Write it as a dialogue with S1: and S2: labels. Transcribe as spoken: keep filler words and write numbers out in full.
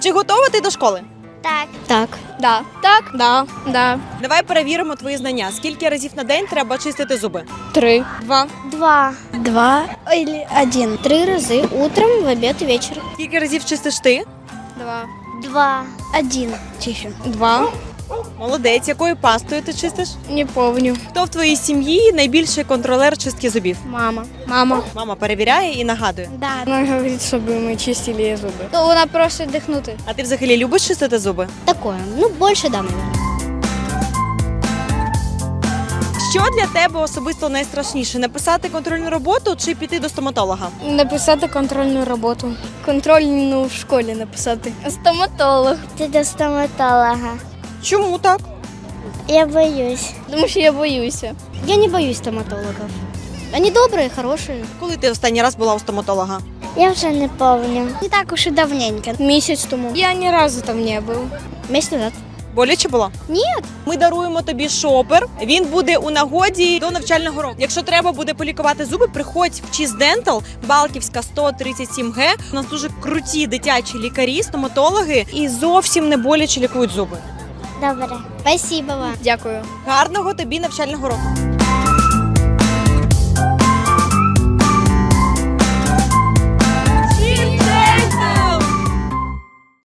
S1: Чи готова ти до школи?
S2: Так.
S3: Так.
S2: Да. Так. Да. Да.
S1: Давай перевіримо твої знання. Скільки разів на день треба чистити зуби?
S2: Три.
S1: Два.
S2: Два.
S3: Два или один. Три раза. Утром, в обед и вечером.
S1: Скільки разів чистиш ти?
S2: Два.
S3: Два. Один. Чищу.
S2: Два.
S1: Молодець. Якою пастою ти чистиш?
S2: Не помню.
S1: Хто в твоїй сім'ї найбільший контролер чистки зубів?
S2: Мама. Мама.
S1: Мама перевіряє і нагадує.
S3: Да.
S2: Вона говорить, щоб ми чистили її зуби. То вона просить дихнути.
S1: А ти взагалі любиш чистити зуби?
S3: Такое. Ну, больше да, наверное.
S1: Що для тебе особисто найстрашніше? Написати контрольну роботу чи піти до стоматолога?
S2: Написати контрольну роботу. Контрольну в школі написати. Стоматолог.
S3: Ты до стоматолога.
S1: Чому так?
S3: Я боюсь.
S2: Тому що я боюся.
S3: Я не боюсь стоматологов. Они добрые, хорошие.
S1: Коли ти останній раз була у стоматолога?
S3: Я уже не помню. Не так уж и давненько.
S2: Місяць тому. Я ні разу там не був.
S3: Месяц назад.
S1: Боляче було?
S3: Ні.
S1: Ми даруємо тобі шопер. Він буде у нагоді до навчального року. Якщо треба буде полікувати зуби, приходь в Cheese Dental, Балківська сто тридцять сім Г. У нас дуже круті дитячі лікарі, стоматологи і зовсім не боляче лікують зуби.
S3: Добре. Спасибо вам.
S2: Дякую.
S1: Гарного тобі навчального року.